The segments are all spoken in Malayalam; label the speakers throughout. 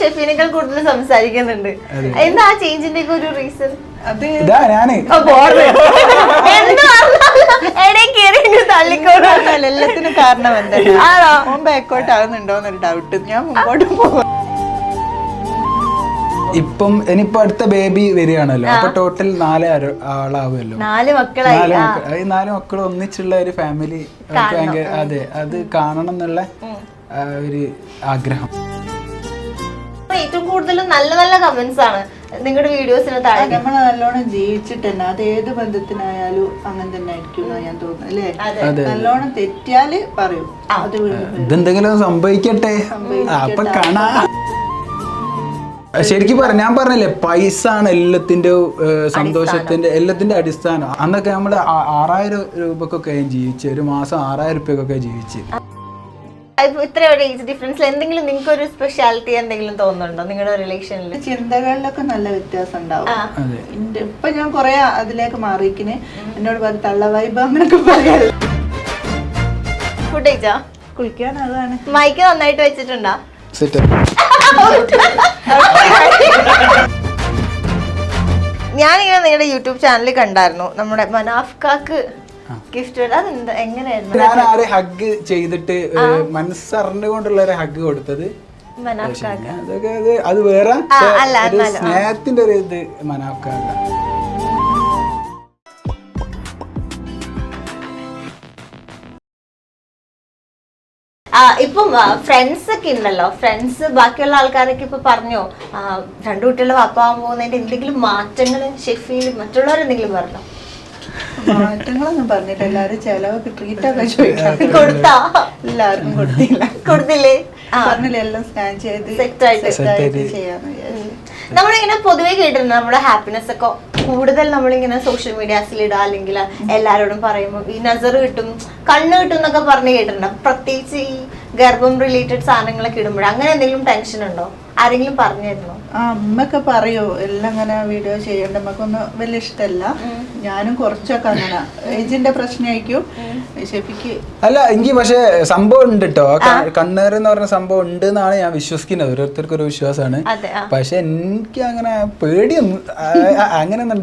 Speaker 1: ഷെഫീനേക്കാൾ കൂടുതൽ സംസാരിക്കുന്നുണ്ട്. എന്താ ആ ചേഞ്ചിന്റെ ഒക്കെ ഒരു റീസൺ?
Speaker 2: എല്ലാത്തിനും കാരണം എന്താണ് ബാക്കോട്ട് ആകുന്നുണ്ടോന്നൊരു ഡൗട്ട്. ഞാൻ മുമ്പോട്ട് പോകും.
Speaker 3: ഇപ്പം ഇനിയിപ്പോ അടുത്ത ബേബി വരികയാണല്ലോ, അപ്പൊ ടോട്ടൽ 4 ആളാവുമല്ലോ.
Speaker 1: 4 മക്കളായി.
Speaker 3: 4 മക്കൾ ഒന്നിച്ചുള്ള ഒരു ഫാമിലി ഭയങ്കര, അതെ, അത് കാണണം എന്നുള്ള ഒരു ആഗ്രഹം.
Speaker 1: ഏറ്റവും കൂടുതൽ നല്ല നല്ല കമന്റ്സ് ആണ് നിങ്ങളുടെ വീഡിയോസിന് താഴെ.
Speaker 2: നമ്മൾ നല്ലോണം ജീവിച്ചിട്ട് തന്നെ അത് ഏത് ബന്ധത്തിനായാലും അങ്ങനെ തന്നെ ആയിരിക്കും ഞാൻ തോന്നുന്നു അല്ലേ. നല്ലോണം തെറ്റിയാല് പറയും
Speaker 3: ഇതെന്തെങ്കിലും സംഭവിക്കട്ടെ, അപ്പൊ കാണാ. ശരിക്കും ഞാൻ പറഞ്ഞില്ലേ, പൈസ ആണ് എല്ലാത്തിന്റെ സന്തോഷത്തിന്റെ എല്ലാത്തിന്റെ അടിസ്ഥാനം. അന്നൊക്കെ നമ്മള് 6000 രൂപക്കൊക്കെ ജീവിച്ച്, ഒരു മാസം 6000 രൂപക്കൊക്കെ ജീവിച്ച്.
Speaker 1: ഇത്ര ഏജ് ഡിഫറൻസിൽ എന്തെങ്കിലും നിങ്ങൾക്ക് ഒരു സ്പെഷ്യാലിറ്റി എന്തെങ്കിലും തോന്നുന്നുണ്ടോ നിങ്ങളുടെ റിലേഷനിൽ?
Speaker 2: ചിന്തകളിലൊക്കെ നല്ല വ്യത്യാസം ഉണ്ടാവും. ഇപ്പൊ ഞാൻ കൊറേ അതിലേക്ക് മാറിയിരിക്കണേ. എന്നോട് പറഞ്ഞ തള്ള വൈബ് അങ്ങനൊക്കെ പറയാ.
Speaker 1: ഫുഡ് കഴിച്ചാ?
Speaker 2: കുളിക്കാൻ അതാണ്.
Speaker 1: മൈക്ക് നന്നായിട്ട് വെച്ചിട്ടുണ്ടോ? ഞാനിങ്ങനെ നിങ്ങളുടെ യൂട്യൂബ് ചാനലിൽ കണ്ടായിരുന്നു നമ്മുടെ മനാഫ്കാക്ക് ഗിഫ്റ്റ്. അതെന്താ, എങ്ങനെയായിരുന്നു?
Speaker 3: ഞാൻ ആരെ ഹഗ് ചെയ്തിട്ട് മനസ്സറിഞ്ഞുകൊണ്ടുള്ള ഒരു ഹഗ് കൊടുത്തത് അതൊക്കെ അത് വേറെ സ്നേഹത്തിന്റെ ഒരു ഇത് മനാഫ്കാക്ക.
Speaker 1: ഇപ്പം ഫ്രണ്ട്സ് ഒക്കെ ഉണ്ടല്ലോ, ഫ്രണ്ട്സ് ബാക്കിയുള്ള ആൾക്കാരൊക്കെ ഇപ്പൊ പറഞ്ഞോ 2 കുട്ടികളുടെ വാപ്പാവാൻ പോകുന്നതിന്റെ എന്തെങ്കിലും മാറ്റങ്ങൾ ഷെഫീൽ മറ്റുള്ളവരെന്തെങ്കിലും പറഞ്ഞോ?
Speaker 2: മാറ്റങ്ങളൊന്നും പറഞ്ഞിട്ട് എല്ലാരും ചെലവൊക്കെ ട്രീറ്റൊക്കെ ചോദിക്കാം. എല്ലാവർക്കും
Speaker 1: കൊടുത്തില്ലേ?
Speaker 2: പറഞ്ഞില്ലേ എല്ലാം സ്കാൻ ചെയ്ത്
Speaker 1: സെറ്റായിട്ട്
Speaker 2: ചെയ്യാന്ന്.
Speaker 1: നമ്മളിങ്ങനെ പൊതുവെ കേട്ടിട്ടുണ്ട് നമ്മുടെ ഹാപ്പിനെസ് ഒക്കെ കൂടുതൽ നമ്മളിങ്ങനെ സോഷ്യൽ മീഡിയാസിൽ ഇടുക, അല്ലെങ്കിൽ എല്ലാരോടും പറയുമ്പോൾ ഈ നസർ കിട്ടും, കണ്ണ് കിട്ടും എന്നൊക്കെ പറഞ്ഞ് കേട്ടിട്ടുണ്ട്. പ്രത്യേകിച്ച് ഈ ഗർഭം റിലേറ്റഡ് സാധനങ്ങളൊക്കെ ഇടുമ്പോൾ അങ്ങനെ എന്തെങ്കിലും ടെൻഷൻ ഉണ്ടോ? ആരെങ്കിലും പറഞ്ഞിരുന്നോ?
Speaker 2: അമ്മയൊക്കെ പറയൂ എല്ലാം അങ്ങനെ വീഡിയോ ചെയ്യണ്ട, നമുക്കൊന്നും വലിയ ഇഷ്ടമല്ല. ഞാനും കുറച്ചൊക്കെ അങ്ങനെ ഏജിന്റെ പ്രശ്നമായിരിക്കും ഷെഫിക്ക്.
Speaker 3: അല്ല, എനിക്ക് പക്ഷെ സംഭവം ഉണ്ട് കേട്ടോ. കണ്ണേർ എന്ന് പറഞ്ഞ സംഭവം ഉണ്ട് എന്നാണ് ഞാൻ വിശ്വസിക്കുന്നത്. ഓരോരുത്തർക്കും ഒരു വിശ്വാസമാണ്. പക്ഷെ എനിക്ക് അങ്ങനെ പേടിയൊന്നും അങ്ങനെയൊന്നും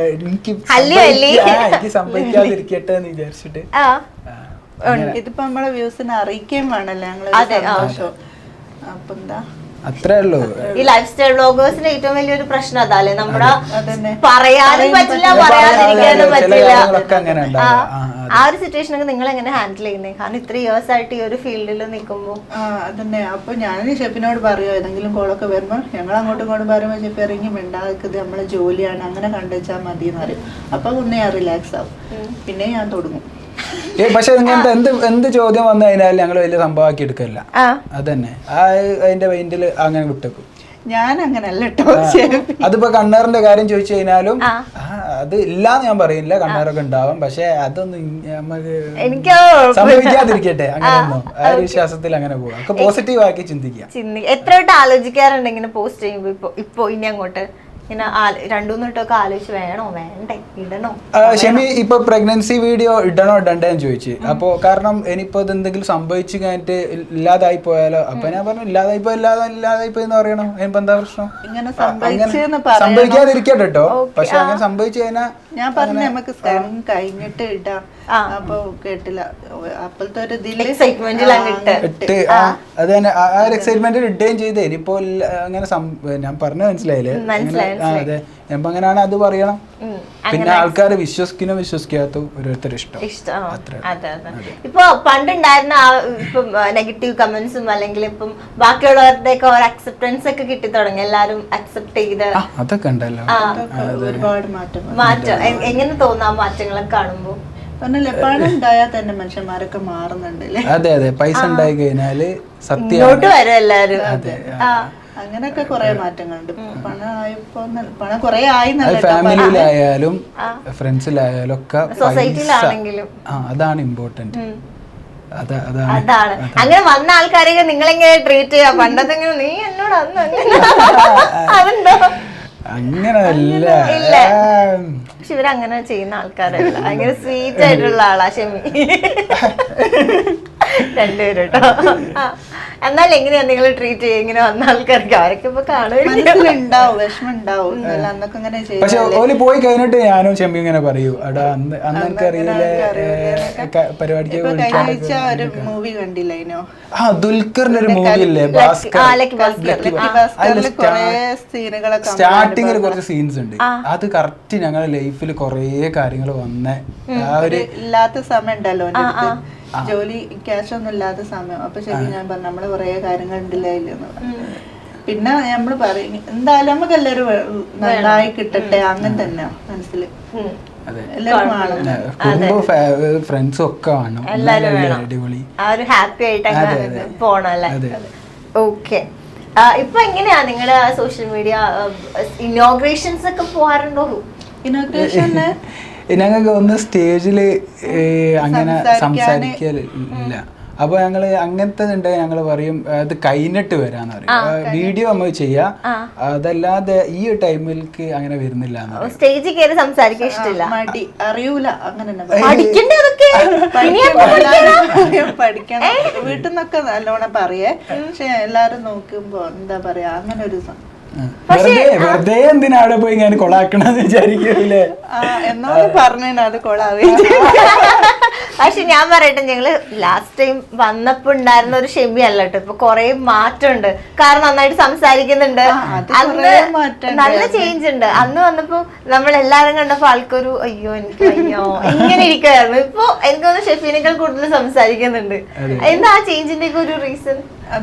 Speaker 3: എനിക്ക് സംഭവിക്കാതിരിക്കട്ടെ എന്ന് വിചാരിച്ചിട്ട്.
Speaker 2: ഇതിപ്പോ നമ്മളെ വ്യൂസിനെ അറിയിക്കുകയും വേണല്ലോ ഞങ്ങള് സന്തോഷം. അപ്പൊ എന്താ
Speaker 3: അത്രേ ഉള്ളൂ.
Speaker 1: ഈ ലൈഫ് സ്റ്റൈൽ വ്ലോഗേഴ്സിന്റെ ഏറ്റവും വലിയൊരു പ്രശ്നം അതല്ലേ, നമ്മുടെ പറയാനും പറ്റില്ല, പറയാതിരിക്കാനും പറ്റില്ല. ആ ഒരു സിറ്റുവേഷനൊക്കെ നിങ്ങൾ എങ്ങനെ ഹാൻഡിൽ ചെയ്യുന്നത്? കാരണം ഇത്ര ഇയേഴ്സ് ആയിട്ട് ഈ ഒരു ഫീൽഡിൽ നിൽക്കുമ്പോൾ.
Speaker 2: അതന്നെ. അപ്പൊ ഞാൻ ഷെഫിനോട് പറയോ ഏതെങ്കിലും കോളൊക്കെ വരുമ്പോൾ ഞങ്ങൾ അങ്ങോട്ടും ഇങ്ങോട്ടും പറയുമ്പോൾ ഷെഫ് ഇറങ്ങി മിണ്ടാക്കുന്നത് നമ്മളെ ജോലിയാണ്, അങ്ങനെ കണ്ടുവച്ചാൽ മതി എന്ന് പറയും. അപ്പൊ ഒന്ന് ഞാൻ റിലാക്സ് ആവും, പിന്നെ ഞാൻ തുടങ്ങും.
Speaker 3: പക്ഷെ ഇങ്ങനത്തെ എന്ത് ചോദ്യം വന്നു കഴിഞ്ഞാൽ ഞങ്ങൾ വലിയ സംഭവമാക്കി എടുക്കല്ല. അതന്നെ അതിന്റെ മൈൻഡില് അങ്ങനെ വിട്ടേക്കും.
Speaker 2: ഞാൻ അങ്ങനല്ല കേട്ടോ.
Speaker 3: അതിപ്പോ കണ്ണേറിന്റെ കാര്യം ചോദിച്ചു കഴിഞ്ഞാലും അത് ഇല്ലാന്ന് ഞാൻ പറയില്ല, കണ്ണേറൊക്കെ ഉണ്ടാവും. പക്ഷെ അതൊന്നും നമുക്ക് സംഭവിക്കാതിരിക്കട്ടെ, അങ്ങനെയൊന്നും ആ ഒരു വിശ്വാസത്തിൽ അങ്ങനെ പോവാം. പോസിറ്റീവ് ആക്കി ചിന്തിക്കാം.
Speaker 1: എത്ര വട്ടം ആലോചിക്കാറുണ്ട് ഇങ്ങനെ പോസ്റ്റ് ചെയ്യുമ്പോ? ഇപ്പൊ ഇനി അങ്ങോട്ട് ഇങ്ങനെ 2-3 വട്ടമൊക്കെ ആലോചിച്ച് വേണോ വേണ്ടേ ഇടണോ?
Speaker 3: ഷെമി ഇപ്പൊ പ്രഗ്നൻസി വീഡിയോ ഇടണോ ഇടണ്ടേന്ന് ചോദിച്ചു. അപ്പൊ കാരണം ഇനിയിപ്പോ എന്തെങ്കിലും സംഭവിച്ചു കഴിഞ്ഞിട്ട് ഇല്ലാതായി പോയാലോ? അപ്പൊ ഞാൻ പറഞ്ഞു ഇല്ലാതായി പോയെന്ന് പറയണോ? ഇനിയിപ്പോ എന്താ പ്രശ്നം? സംഭവിക്കാതിരിക്കട്ടെ കേട്ടോ. പക്ഷെ അങ്ങനെ സംഭവിച്ചു കഴിഞ്ഞാൽ
Speaker 2: ഞാൻ പറഞ്ഞു നമുക്ക് സ്കാൻ കഴിഞ്ഞിട്ട് ഇടാം. അപ്പൊ കേട്ടില്ല, അപ്പോഴത്തെ ഒരു
Speaker 1: എക്സൈറ്റ്മെന്റ്
Speaker 3: അത് തന്നെ ആ ഒരു എക്സൈറ്റ്മെന്റിൽ ഇടുകയും ചെയ്തേ. ഇനിയിപ്പോ അങ്ങനെ ഞാൻ പറഞ്ഞ മനസ്സിലായില്ലേ? അതെ, അപ്പൊ അങ്ങനെയാണ് അത് പറയണം. പിന്നെ ആൾക്കാർ വിശ്വസിക്കുന്നോ വിശ്വസിക്കാത്ത ഓരോരുത്തരും ഇഷ്ടം.
Speaker 1: ഇപ്പൊ പണ്ടുണ്ടായിരുന്ന ഇപ്പൊ നെഗറ്റീവ് കമന്റ്സും അല്ലെങ്കിൽ ഇപ്പം ബാക്കിയുള്ളവരുടെ ഒക്കെ ഒരു അക്സെപ്റ്റൻസ് ഒക്കെ കിട്ടി തുടങ്ങി, എല്ലാരും അക്സെപ്റ്റ് ചെയ്ത്
Speaker 3: അതൊക്കെ ഉണ്ടല്ലോ.
Speaker 2: ഒരുപാട്
Speaker 1: മാറ്റം എങ്ങനെ തോന്നാ മാറ്റങ്ങളൊക്കെ കാണുമ്പോ?
Speaker 2: പണം ഉണ്ടായാൽ തന്നെ മനുഷ്യന്മാരൊക്കെ മാറുന്നുണ്ടല്ലേ?
Speaker 3: അതെ അതെ, പൈസ ഉണ്ടായി കഴിഞ്ഞാല് സത്യം
Speaker 1: വരും എല്ലാരും.
Speaker 2: അങ്ങനെയൊക്കെ കുറെ മാറ്റങ്ങളുണ്ട്. പണം കുറെ ആയി,
Speaker 3: ഫാമിലിയിലായാലും ഫ്രണ്ട്സിലായാലും ഒക്കെ
Speaker 1: സൊസൈറ്റിയിലാണെങ്കിലും
Speaker 3: അതാണ് ഇമ്പോർട്ടന്റ്.
Speaker 1: അതാണ് അങ്ങനെ വന്ന ആൾക്കാരെ നിങ്ങളെങ്ങനെ ട്രീറ്റ് ചെയ്യാ? പണ്ടത്തെ നീ എന്നോട് അതുണ്ടോ?
Speaker 3: അങ്ങനല്ല.
Speaker 1: പക്ഷെ ഇവരങ്ങനെ ചെയ്യുന്ന ആൾക്കാരല്ല, ഭയങ്കര സ്വീറ്റ് ആയിട്ടുള്ള ആളാ ഷെമി. 2 പേരും കേട്ടോ. എന്നാൽ എങ്ങനെയാ നിങ്ങൾ ട്രീറ്റ് ചെയ്യുക ഇങ്ങനെ വന്ന ആൾക്കാർക്ക്? അവരൊക്കെ ഇപ്പൊ കാണുക
Speaker 2: മനസ്സിലുണ്ടാവും, വിഷമം ഉണ്ടാവും. അന്നൊക്കെ ഇങ്ങനെ
Speaker 3: പക്ഷെ ഓല് പോയി കഴിഞ്ഞിട്ട് ഞാനും ചെമ്പി ഇങ്ങനെ പറയൂ, എടാ അന്ന് എനിക്കറിയില്ലേ പരിപാടിക്ക്
Speaker 2: ഒരു മൂവി കണ്ടില്ലോ,
Speaker 3: ദുൽഖറിന്റെ ഒരു മൂവി ഇല്ലേ ഭാസ്കർ, സ്റ്റാർട്ടിങ്ങിൽ കുറച്ച് സീൻസ് ഉണ്ട്. അത് കറക്റ്റ് ഞങ്ങളുടെ ലൈഫിൽ കൊറേ കാര്യങ്ങൾ വന്ന ആ ഒരു
Speaker 2: ഇല്ലാത്ത സമയം ഉണ്ടല്ലോ ജോലി ക്യാഷ് ഒന്നും ഇല്ലാത്ത സമയം. അപ്പൊ ശരി ഞാൻ പറഞ്ഞു നമ്മള് കൊറേ കാര്യങ്ങൾ ഉണ്ടില്ലായില്ലെന്ന് പറഞ്ഞു. പിന്നെ നമ്മള് പറയും എന്തായാലും നമുക്ക് എല്ലാവരും നന്നായി കിട്ടട്ടെ, അങ്ങനെ തന്നെ മനസ്സില്
Speaker 3: ഫ്രണ്ട്സും ഒക്കെ വേണം, അടിപൊളി
Speaker 1: ഹാപ്പി ആയിട്ട് പോണല്ലേ. ഓക്കെ, ഇപ്പൊ എങ്ങനെയാ നിങ്ങളുടെ സോഷ്യൽ മീഡിയ ഇനോഗ്രേഷൻസ് ഒക്കെ പോകാറുണ്ടോ?
Speaker 2: ഇനോഗ്രേഷന്
Speaker 3: ഞങ്ങൾക്ക് ഒന്ന് സ്റ്റേജില് അങ്ങനെ സംസാരിക്കലില്ല. അപ്പൊ ഞങ്ങള് അങ്ങനത്തെ ഉണ്ടെങ്കിൽ ഞങ്ങള് പറയും അത് കഴിഞ്ഞിട്ട് വരാന്ന് പറയും. വീഡിയോ നമ്മൾ ചെയ്യാം, അതല്ലാതെ ഈ ടൈമിലേക്ക് അങ്ങനെ വരുന്നില്ല.
Speaker 1: സ്റ്റേജിൽ കയറി സംസാരിക്കാൻ ഇഷ്ടമില്ല,
Speaker 2: മടി, അറിയൂല, അങ്ങനെ പഠിക്കണം. വീട്ടിൽ നിന്നൊക്കെ നല്ലോണം പറയേ, പക്ഷെ എല്ലാരും നോക്കുമ്പോ എന്താ പറയാ അങ്ങനെ ഒരു
Speaker 3: വെറുതെ എന്തിനാ അവിടെ പോയി ഞാൻ കൊളാക്കണെന്ന് വിചാരിക്കൂലേ?
Speaker 2: എന്നോട് പറഞ്ഞു അത് കൊളാവേ.
Speaker 1: പക്ഷെ ഞാൻ പറയട്ടെ, ഞങ്ങള് ലാസ്റ്റ് ടൈം വന്നപ്പോ ഉണ്ടായിരുന്ന ഒരു ഷെമി അല്ല കേട്ടോ, ഇപ്പൊ കൊറേ മാറ്റമുണ്ട്. കാരണം നന്നായിട്ട് സംസാരിക്കുന്നുണ്ട്, അന്ന് നല്ല ചേഞ്ച് ഉണ്ട്. അന്ന് വന്നപ്പോ നമ്മളെല്ലാരും കണ്ടപ്പോ ആൾക്കൊരു അയ്യോ എനിക്ക് അയ്യോ ഇങ്ങനെ ഇരിക്കുവായിരുന്നു. ഇപ്പൊ എനിക്ക് തോന്നുന്നു ഷെഫീനേക്കാൾ കൂടുതൽ സംസാരിക്കുന്നുണ്ട്. എന്താ ആ ചേഞ്ചിന്റെ ഒക്കെ ഒരു റീസൺ?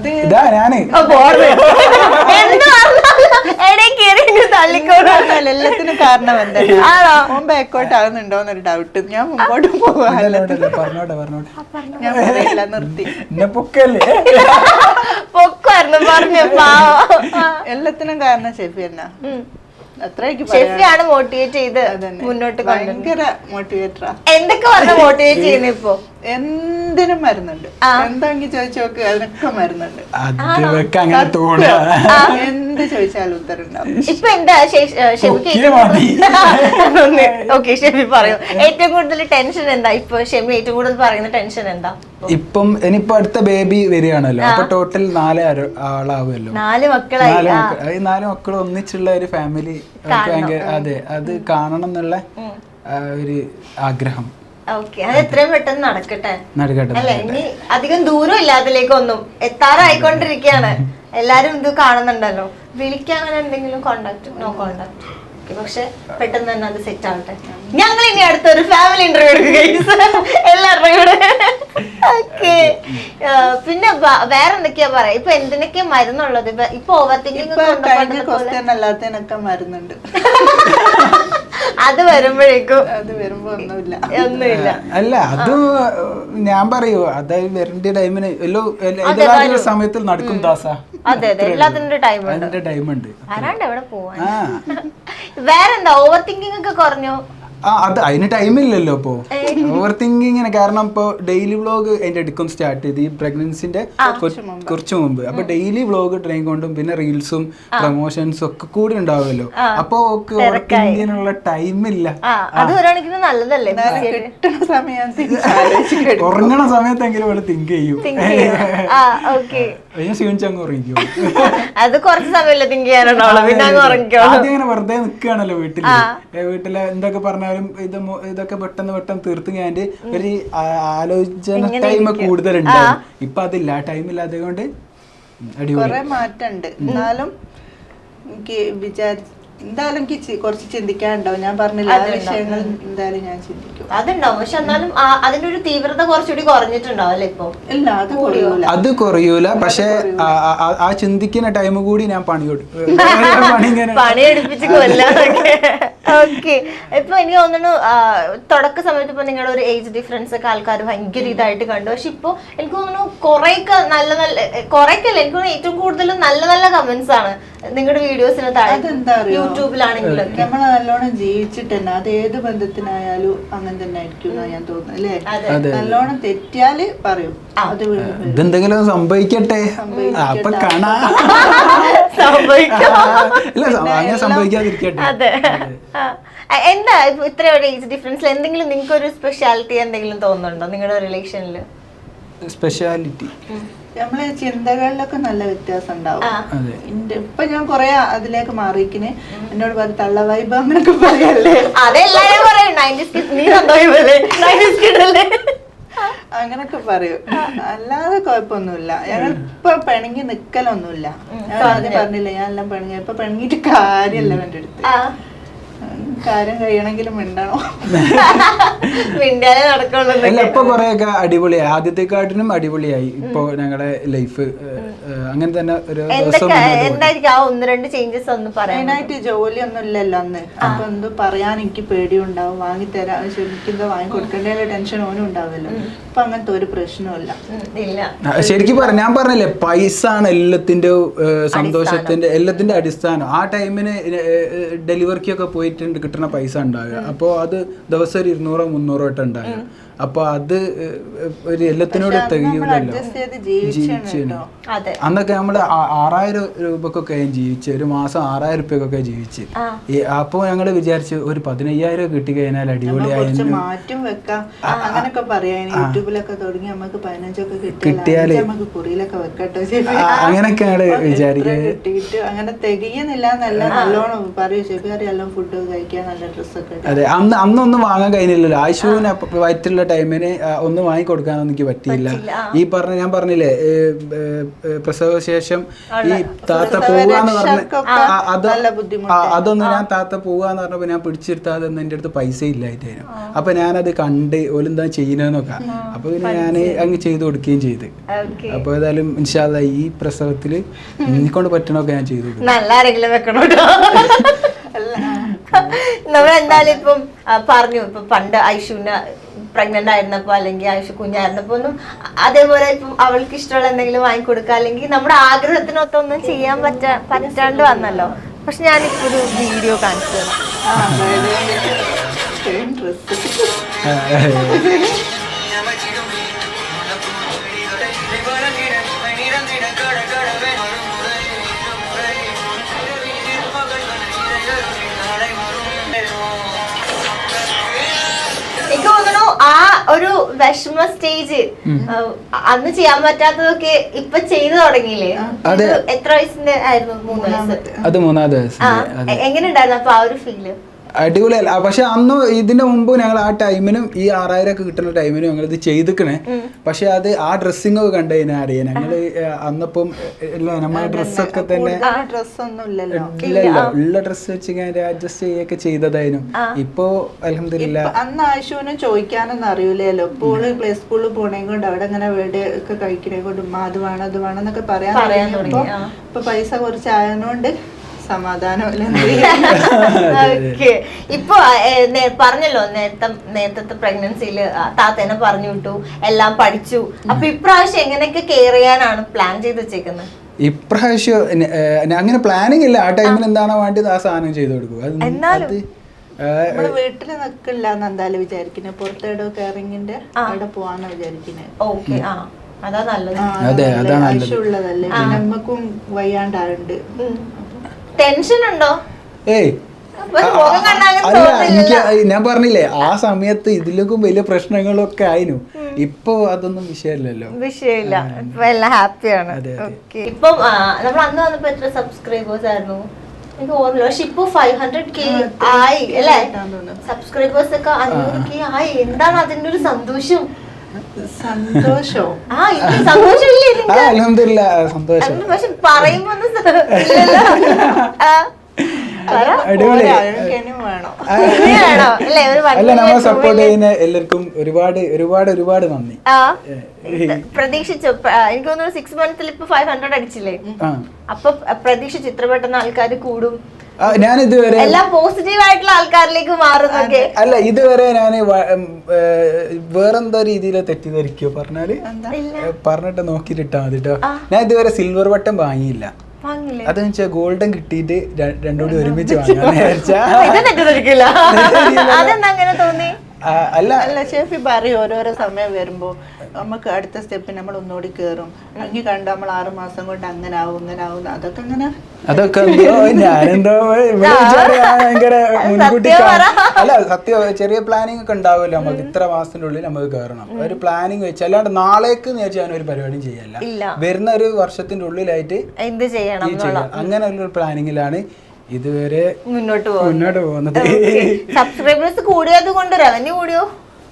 Speaker 2: എല്ലാത്തിനും കാരണം എന്താ ബാക്കോട്ട് ആകുന്നുണ്ടോന്നൊരു ഡൗട്ട്. ഞാൻ മുമ്പോട്ട് പോവാല്ല, ഞാൻ നിർത്തി.
Speaker 1: പൊക്കായിരുന്നു പറഞ്ഞു.
Speaker 2: എല്ലാത്തിനും കാരണം ഷെഫി എന്നാ,
Speaker 1: ഷെഫിയാണ് മോട്ടിവേറ്റ് ചെയ്ത് മുന്നോട്ട്
Speaker 2: ഭയങ്കര മോട്ടിവേറ്ററാ.
Speaker 1: എന്തൊക്കെ പറഞ്ഞ മോട്ടിവേറ്റ് ചെയ്യുന്നു? ഇപ്പൊ
Speaker 2: എന്തിനും മരുന്നുണ്ട്, എന്താണെങ്കി ചോദിച്ചു നോക്ക്, അതിനൊക്കെ മരുന്നുണ്ട്. എന്ത് ചോദിച്ചാലും ഉത്തരം ഉണ്ടാവും.
Speaker 1: ഇപ്പൊ എന്താ ഓക്കെ ഷെഫി പറയൂ, ഏറ്റവും കൂടുതൽ ടെൻഷൻ എന്താ? ഇപ്പൊ ഷെമി ഏറ്റവും കൂടുതൽ പറയുന്ന ടെൻഷൻ എന്താ?
Speaker 3: ഇപ്പം ഇനിയിപ്പോ അടുത്ത ബേബി വരികയാണല്ലോ, അപ്പൊ ടോട്ടൽ 4 ആളാവുമല്ലോ.
Speaker 1: 4 മക്കളായി.
Speaker 3: 4 മക്കൾ ഒന്നിച്ചുള്ള ഒരു ഫാമിലി ഭയങ്കര, അതെ, അത് കാണണം എന്നുള്ള ഒരു ആഗ്രഹം.
Speaker 1: ഓക്കെ, അത് എത്രയും പെട്ടെന്ന് നടക്കട്ടെ അല്ലെ? ഇനി അധികം ദൂരം ഇല്ലാതിലേക്കൊന്നും എത്താറായിക്കൊണ്ടിരിക്കുകയാണ്. എല്ലാരും ഇത് കാണുന്നുണ്ടല്ലോ. വിളിക്കാൻ അങ്ങനെ എന്തെങ്കിലും കോണ്ടാക്ട്? No contact. പക്ഷെ പെട്ടെന്ന് തന്നെ അത് സെറ്റ് ആവട്ടെ. ഞങ്ങൾ ഇനി അടുത്തൊരു ഫാമിലി ഇന്റർവ്യൂ എടുക്കുക എല്ലാവരുടെയും കൂടെ. ഓക്കെ, പിന്നെ വേറെ എന്തൊക്കെയാ പറയാ? ഇപ്പൊ എന്തിനൊക്കെയാ മരുന്നുള്ളത്? ഇപ്പൊ ഓവർ തിങ്കിങ്
Speaker 2: അല്ലാത്തതിനൊക്കെ മരുന്നുണ്ട്.
Speaker 1: അത് വരുമ്പോഴേക്കും
Speaker 2: ഒന്നുമില്ല.
Speaker 3: അല്ല, അത് ഞാൻ പറയൂ, അതായത് വരേണ്ട ടൈമിന് എല്ലാ സമയത്തിൽ നടക്കും ദാസ.
Speaker 1: അതെ അതെ, എല്ലാത്തിനും ടൈം ഉണ്ട്. ആരാണ്ട് എവിടെ പോവാൻ? വേറെന്താ, ഓവർ തിങ്കിങ് ഒക്കെ കുറഞ്ഞോ?
Speaker 3: അത് അതിന് ടൈമില്ലല്ലോ ഇപ്പോ ഓവർ തിങ്കിങ്ങിന്. കാരണം ഇപ്പൊ ഡെയിലി വ്ളോഗ് അതിന്റെ എടുക്കും സ്റ്റാർട്ട് ചെയ്ത് ഈ പ്രഗ്നൻസിന്റെ കുറച്ച് മുമ്പ്. അപ്പൊ ഡെയിലി വ്ളോഗ് ട്രെയിൻ കൊണ്ടും പിന്നെ റീൽസും പ്രൊമോഷൻസും ഒക്കെ കൂടി ഉണ്ടാവുമല്ലോ. അപ്പൊ ഓവർ തിങ്കിങ്ങിനുള്ള ടൈമില്ല. ഉറങ്ങണ സമയത്തെങ്കിലും അവള് തിങ്ക് ചെയ്യും. ക്ഷീണിച്ചങ്ങ് ഉറങ്ങിക്കും.
Speaker 1: അത് കുറച്ച് സമയമല്ലേ തിങ്ക് ചെയ്യാനുണ്ടോ?
Speaker 3: ആദ്യം ഇങ്ങനെ വെറുതെ നിക്കുകയാണല്ലോ വീട്ടില് എന്തൊക്കെ പറഞ്ഞാലും ഇതൊക്കെ പെട്ടെന്ന് തീർത്ത് ഞാൻ ഒരു ആലോചന ടൈം കൂടുതലുണ്ടാവും. ഇപ്പൊ അതില്ല, ടൈം ഇല്ലാതെ കൊണ്ട്
Speaker 2: കുറെ മാറ്റമുണ്ട്. എന്നാലും എനിക്ക് എന്തായാലും എനിക്ക് കുറച്ച് ചിന്തിക്കാനുണ്ടാവും. ഞാൻ പറഞ്ഞില്ല, വിഷയങ്ങൾ എന്തായാലും ഞാൻ ചിന്തിക്കും.
Speaker 1: അതുണ്ടാവും, പക്ഷെ എന്നാലും അതിന്റെ ഒരു തീവ്രത കുറച്ചുകൂടി കുറഞ്ഞിട്ടുണ്ടാവും അല്ലെ ഇപ്പൊ?
Speaker 2: ഇല്ല,
Speaker 3: അത് കുറയൂല. പക്ഷെ ആ ചിന്തിക്കുന്ന ടൈം കൂടി ഞാൻ
Speaker 1: പണിയെടുപ്പിച്ച് കൊല്ലാം. ഓക്കെ, ഇപ്പൊ എനിക്ക് തോന്നുന്നു തുടക്ക സമയത്ത് ഇപ്പൊ നിങ്ങളുടെ ഒരു ഏജ് ഡിഫറൻസ് ഒക്കെ ആൾക്കാർ ഭയങ്കര ഇതായിട്ട് കണ്ടു. പക്ഷെ ഇപ്പൊ എനിക്ക് തോന്നുന്നു കുറേയൊക്കെ കുറേക്കല്ല, എനിക്ക് തോന്നുന്നു ഏറ്റവും കൂടുതൽ നല്ല കമന്റ്സ് ആണ് നിങ്ങളുടെ വീഡിയോസിന് താഴെ. യൂട്യൂബിലാണെങ്കിലും
Speaker 2: നമ്മൾ നല്ലോണം ജീവിച്ചിട്ട് തന്നെ അത് ഏത് ബന്ധത്തിനായാലും അങ്ങനെ തന്നെ ആയിരിക്കും ഞാൻ തോന്നുന്നു അല്ലേ? നല്ലോണം തെറ്റിയാല് പറയും അത്
Speaker 3: ഇതെന്തെങ്കിലും സംഭവിക്കട്ടെ, അപ്പൊ കാണാ സംഭവിക്കാതിരിക്കട്ടെ.
Speaker 1: അതെ, എന്താ ഇത്ര ഏജ് ഡിഫറൻസിൽ എന്തെങ്കിലും നിങ്ങൾക്ക് ഒരു സ്പെഷ്യാലിറ്റി എന്തെങ്കിലും തോന്നുന്നുണ്ടോ നിങ്ങളുടെ റിലേഷനിൽ?
Speaker 3: സ്പെഷ്യാലിറ്റി
Speaker 2: നമ്മളെ ചിന്തകളിലൊക്കെ നല്ല വ്യത്യാസം ഉണ്ടാവും.
Speaker 3: അതെ.
Speaker 2: ഇപ്പൊ ഞാൻ കൊറേ അതിലേക്ക് മാറിയിക്കിന്. എന്നോട് പറയും തള്ള വൈബ് അങ്ങനൊക്കെ പറയല്ലേ.
Speaker 1: അതെല്ലാരും പറയും 90s കിഡ്, നീ സന്തോഷമല്ലേ 90s കിഡ് അല്ലേ
Speaker 2: അങ്ങനൊക്കെ പറയും. അല്ലാതെ കുഴപ്പമൊന്നുമില്ല. ഞങ്ങൾ ഇപ്പൊ പിണങ്ങി നിക്കലൊന്നുമില്ല. ഞാൻ ആദ്യം പറഞ്ഞില്ല ഞാൻ എല്ലാം പിണങ്ങി. ഇപ്പൊ പിണങ്ങിയിട്ട് കാര്യമല്ല എന്റെ അടുത്ത്. കാര്യം കഴിയണമെങ്കിലും മിണ്ടണോ?
Speaker 1: മിണ്ടാനേ നടക്കുള്ളൂ.
Speaker 3: അല്ല ഇപ്പൊ കൊറേയൊക്കെ അടിപൊളിയായി, ആദ്യത്തെക്കാട്ടിനും അടിപൊളിയായി ഇപ്പൊ ഞങ്ങളുടെ ലൈഫ്. അങ്ങനെ തന്നെ ഒരു ദിവസം
Speaker 1: എന്തായിരിക്കും ആ 1-2 ചേഞ്ചസ് ഒന്ന് പറയാം.
Speaker 2: മെയിനായിട്ട് ജോലിയൊന്നും ഇല്ലല്ലോ അന്ന്. അപ്പൊ എന്തോ പറയാൻ എനിക്ക് പേടിയുണ്ടാവും. വാങ്ങിത്തരാൻ ശ്രമിക്കുന്നതോ വാങ്ങി കൊടുക്കേണ്ട ടെൻഷൻ ഓനും ഉണ്ടാവുമല്ലോ. ഇപ്പൊ അങ്ങനത്തെ ഒരു പ്രശ്നമില്ല.
Speaker 3: ശരിക്കും ഞാൻ പറഞ്ഞില്ലേ, പൈസ ആണ് എല്ലാത്തിന്റെ സന്തോഷത്തിന്റെ എല്ലാത്തിന്റെ അടിസ്ഥാനം. ആ ടൈമിന് ഡെലിവറിക്കൊക്കെ പോയിട്ട് കിട്ടുന്ന പൈസ ഉണ്ടാകുക. അപ്പോൾ അത് ദിവസം ഒരു 200-300 വട്ടം ഉണ്ടാകുക. അപ്പൊ അത് ഒരു എല്ലാത്തിനോട് തികയൂലല്ലോ. ജീവിച്ചു അന്നൊക്കെ നമ്മള് 6000 രൂപക്കൊക്കെ ജീവിച്ച്, ഒരു മാസം 6000 രൂപക്കൊക്കെ ജീവിച്ച്. അപ്പൊ ഞങ്ങള് വിചാരിച്ചു ഒരു 15000 കിട്ടി കഴിഞ്ഞാൽ അടിപൊളിയായിരുന്നു.
Speaker 2: മാറ്റം വെക്കാം അങ്ങനൊക്കെ പറയാൻ യൂട്യൂബിലൊക്കെ തുടങ്ങി നമുക്ക് 15ഒക്കെ കിട്ടിയാല് നമുക്ക് കുറിയിലൊക്കെ വെക്കട്ടോ
Speaker 3: അങ്ങനൊക്കെ ഞങ്ങള് വിചാരിക്കുന്നത്.
Speaker 2: കിട്ടിയിട്ട് അങ്ങനെ തികയുന്നില്ല എന്നല്ല, നല്ലോണം പറയൂ ശരി എല്ലാം ഫുഡ് കഴിക്കാൻ നല്ല ഡ്രസ്സൊക്കെ.
Speaker 3: അതെ, അന്നൊന്നും വാങ്ങാൻ കഴിഞ്ഞില്ലല്ലോ. ആശുവിന് വയറ്റുള്ള ടൈമിന് ഒന്നും വാങ്ങിക്കൊടുക്കാനൊന്നും എനിക്ക് പറ്റിയില്ല. ഞാൻ പറഞ്ഞില്ലേ പ്രസവശേഷം ഈ താത്ത പോവാന്ന് പറഞ്ഞ അതൊന്നും ഞാൻ താത്ത പോവാന്ന് പറഞ്ഞപ്പോ ഞാൻ പിടിച്ചെടുത്താതെ എന്റെ അടുത്ത് പൈസ ഇല്ലായിട്ടായിരുന്നു. അപ്പൊ ഞാനത് കണ്ട് ഓലെന്താ ചെയ്യുന്നതെന്നൊക്കെ. അപ്പൊ പിന്നെ ഞാൻ അങ്ങ് ചെയ്തു കൊടുക്കുകയും ചെയ്ത്. അപ്പൊ ഏതായാലും ഇൻഷാ അല്ലാഹ് ഈ പ്രസവത്തില് എനിക്കൊണ്ട് പറ്റണൊക്കെ ഞാൻ ചെയ്തു കൊടുക്കും.
Speaker 1: നല്ല ആരെങ്കിലും വെക്കണോ? നമ്മളെന്തായാലും ഇപ്പം പറഞ്ഞു, ഇപ്പൊ പണ്ട് ഐഷുവിന് പ്രഗ്നന്റ് ആയിരുന്നപ്പോ അല്ലെങ്കിൽ ഐഷു കുഞ്ഞായിരുന്നപ്പോ ഒന്നും അതേപോലെ ഇപ്പം അവൾക്ക് ഇഷ്ടമുള്ള എന്തെങ്കിലും വാങ്ങിക്കൊടുക്കുക അല്ലെങ്കിൽ നമ്മുടെ ആഗ്രഹത്തിനൊത്തൊന്നും ചെയ്യാൻ പറ്റാണ്ട് വന്നല്ലോ. പക്ഷെ ഞാനിപ്പോ ഒരു വീഡിയോ കാണിച്ചു തരാം. എനിക്ക് തോന്നുന്നു ആ ഒരു വിഷമ സ്റ്റേജ് അന്ന് ചെയ്യാൻ പറ്റാത്തതൊക്കെ ഇപ്പൊ ചെയ്തു തുടങ്ങിയില്ലേ? എത്ര വയസ്സിന്റെ ആയിരുന്നു? 3 വയസ്സ്.
Speaker 3: അത് 3ാമത്തെ വയസ്സ്.
Speaker 1: എങ്ങനെ ഉണ്ടായിരുന്നു അപ്പൊ ആ ഒരു ഫീല്?
Speaker 3: അടിപൊളിയല്ല. പക്ഷെ അന്ന് ഇതിന്റെ മുമ്പ് ഞങ്ങൾ ആ ടൈമിനും ഈ 6000 ഒക്കെ കിട്ടുന്ന ടൈമിനും ഞങ്ങൾ ഇത് ചെയ്തിക്കണേ. പക്ഷെ അത് ആ ഡ്രസ്സിങ് ഒക്കെ കണ്ടു കഴിഞ്ഞാൽ അറിയാം ഞങ്ങള് അന്നപ്പം നമ്മളെ ഡ്രസ്സൊക്കെ തന്നെ ഇല്ലല്ലോ, ഉള്ള ഡ്രസ്സ് വെച്ച് അഡ്ജസ്റ്റ് ചെയ്യൊക്കെ ചെയ്തതായിരുന്നു. ഇപ്പൊ അൽഹംദുലില്ലാ.
Speaker 2: അന്ന് ആശുവിനും ചോദിക്കാനൊന്നും അറിയില്ലല്ലോ. ഇപ്പോൾ പ്ലേ സ്കൂളിൽ പോണേ കൊണ്ട് അവിടെ അങ്ങനെ വീട് ഒക്കെ കഴിക്കണേ കൊണ്ട് അത് വേണം അത് വേണം എന്നൊക്കെ പറയാൻ തുടങ്ങി. ഇപ്പൊ പൈസ കുറച്ച് ആയതുകൊണ്ട് സമാധാനമല്ല.
Speaker 1: ഇപ്പൊ പറഞ്ഞല്ലോ നേരത്തെ പ്രഗ്നൻസിയില് താത്തേനെ പറഞ്ഞു വിട്ടു, എല്ലാം പഠിച്ചു. അപ്പൊ ഇപ്രാവശ്യം എങ്ങനെയൊക്കെ കെയർ ചെയ്യാനാണ് പ്ലാൻ ചെയ്ത് വെച്ചേക്കുന്നത്?
Speaker 3: ഇപ്രാവശ്യം അങ്ങനെ പ്ലാനിങ് ഇല്ല. ആ ടൈമിൽ എന്താണോ വേണ്ടത് ആ സാധനം ചെയ്തു കൊടുക്കും.
Speaker 2: നമ്മള് വീട്ടില് നിക്കില്ല എന്ന് എന്തായാലും വിചാരിക്കുന്നത്. പുറത്തേടോ കെയറിങ്ങിന്റെ അവിടെ പോവാന്ന് വിചാരിക്കുന്നത്.
Speaker 1: ഓക്കെ, അതാ നല്ലത്.
Speaker 2: ആവശ്യമുള്ളതല്ലേ. നമ്മക്കും വയ്യാണ്ടാണ്ട്
Speaker 1: ടെൻഷൻ ഉണ്ടോ?
Speaker 3: ഏയ് അല്ല, എനിക്ക് ഞാൻ പറഞ്ഞില്ലേ ആ സമയത്ത് ഇതിലേക്കും വലിയ പ്രശ്നങ്ങളൊക്കെ ആയിരുന്നു. ഇപ്പൊ അതൊന്നും വിഷയമില്ലല്ലോ.
Speaker 1: വിഷയമില്ല, ഇപ്പൊ എല്ലാം ഹാപ്പിയാണ്. ഇപ്പൊ നമ്മൾ അന്ന് വന്നപ്പോ എത്ര സബ്സ്ക്രൈബേഴ്സ് ആയിരുന്നു എനിക്ക് ഓർമ്മയില്ല. പക്ഷെ ഇപ്പൊ 500K ആയി അല്ലേ? സബ്സ്ക്രൈബേഴ്സ് ഒക്കെ 500K ആയി. എന്താണ് അതിന്റെ ഒരു സന്തോഷം?
Speaker 2: സന്തോഷം
Speaker 3: അൽഹംദുലില്ലാ, സന്തോഷം.
Speaker 1: പക്ഷെ പറയുമ്പോ
Speaker 3: അല്ല, നമ്മളെ സപ്പോർട്ട് ചെയ്യുന്ന എല്ലാവർക്കും ഒരുപാട് ഒരുപാട് ഒരുപാട് നന്ദി.
Speaker 1: പ്രതീക്ഷിച്ചു. എനിക്ക് തോന്നുന്നു 6 മന്ത്സിൽ ഇപ്പൊ 500 അടിച്ചില്ലേ? അപ്പൊ പ്രതീക്ഷിച്ചു ഇത്ര പെട്ടെന്ന് ആൾക്കാർ കൂടും.
Speaker 3: ഞാൻ ഇതുവരെ
Speaker 1: എല്ലാം പോസിറ്റീവ് ആയിട്ടുള്ള ആൾക്കാരിലേക്ക് മാറുന്നൊക്കെ
Speaker 3: അല്ല, ഇതുവരെ ഞാൻ വേറെന്താ രീതിയിൽ തെറ്റിദ്ധരിക്കോ പറഞ്ഞാല് പറഞ്ഞിട്ട് നോക്കിട്ട് ഇട്ടാ മതി കേട്ടോ. ഞാൻ ഇതുവരെ സിൽവർ ബട്ടൺ വാങ്ങിയില്ല. അതെന്ന് വെച്ചാൽ ഗോൾഡൻ കിട്ടിയിട്ട് രണ്ടുകൂടി ഒരുമിച്ച്
Speaker 1: തോന്നി.
Speaker 2: അല്ല ഷെഫി പറയും ഓരോരോ സമയം വരുമ്പോ നമുക്ക് അടുത്ത സ്റ്റെപ്പിൽ നമ്മൾ ഒന്നുകൂടി കയറും. അങ്ങനെ കണ്ടു നമ്മൾ 6 മാസം കൊണ്ട് അങ്ങനെ ആവും അതൊക്കെ അങ്ങനെ
Speaker 3: ഞാനെന്തോ ഭയങ്കര മുൻകൂട്ടി അല്ല സത്യം ചെറിയ പ്ലാനിങ് ഒക്കെ ഉണ്ടാവുമല്ലോ നമുക്ക്. ഇത്ര മാസത്തിന്റെ ഉള്ളിൽ നമുക്ക് കയറണം ഒരു പ്ലാനിങ് വെച്ച്, അല്ലാണ്ട് നാളേക്ക് ഞാൻ ഒരു പരിപാടിയും ചെയ്യല്ല. വരുന്ന ഒരു വർഷത്തിന്റെ ഉള്ളിലായിട്ട്
Speaker 1: എന്ത് ചെയ്യണം
Speaker 3: അങ്ങനെ ഒരു പ്ലാനിങ്ങിലാണ് ഇതുവരെ
Speaker 1: മുന്നോട്ട്
Speaker 3: പോകുന്നത്.
Speaker 1: സബ്സ്ക്രൈബേഴ്സ് കൂടിയത് കൊണ്ട് റവന്യൂ കൂടിയോ?